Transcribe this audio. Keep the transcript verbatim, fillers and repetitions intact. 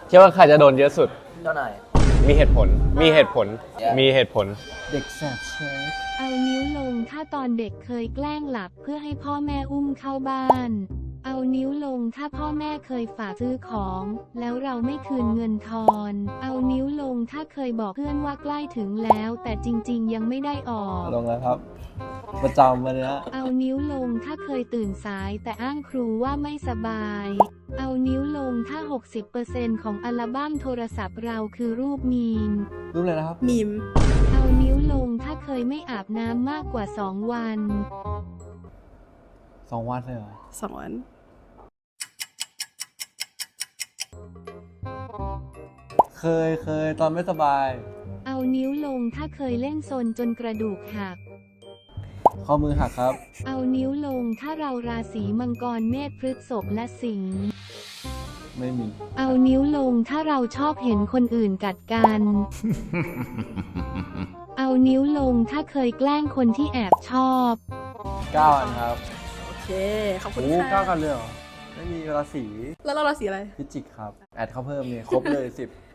คิดว่าใครจะโดนเยอะสุดเจ้านายมีเหตุผล มีเหตุผล Yeah. มีเหตุผลเด็กแสบเชฟเอานิ้วลงถ้าตอนเด็กเคยแกล้งหลับเพื่อให้พ่อแม่อุ้มเข้าบ้าน เอานิ้วลงถ้าพ่อแม่เคยฝากซื้อของ แล้วเราไม่คืนเงินทอน เอานิ้วลงถ้าเคยบอกเพื่อนว่าใกล้ถึงแล้ว แต่จริงๆยังไม่ได้ออกลงแล้วครับ ประจำมาเลยนะเอานิ้วลงถ้าเคยตื่นสายแต่อ้างครูว่าไม่สบาย เอานิ้วลงถ้า หกสิบเปอร์เซ็นต์ ของอัลบั้มโทรศัพท์เราคือรูปมีมรูปเลยนะครับมีมเอานิ้วลงถ้าเคยไม่อาบน้ำมากกว่าสองวันสองวันเลยเหรอสองวันเคยเคยตอนไม่สบายเอานิ้วลงถ้าเคยเล่นซนจนกระดูกหักข้อมือหักครับเอานิ้วลงถ้าเราราศีมังกรเมษพฤษภและสิงห์ไม่มีเอานิ้วลงถ้าเราชอบเห็นคนอื่นกัดกัน เอานิ้วลงถ้าเคยแกล้งคนที่แอบชอบเก้าอันครับโอเค ขอบคุณโอ้เก้าค่ะกันเลยเหรอ ไม่มีราศีแล้วเราราศีอะไรพิจิกครับ แอดเข้าเพิ่มเนี่ยครบเลยสิบ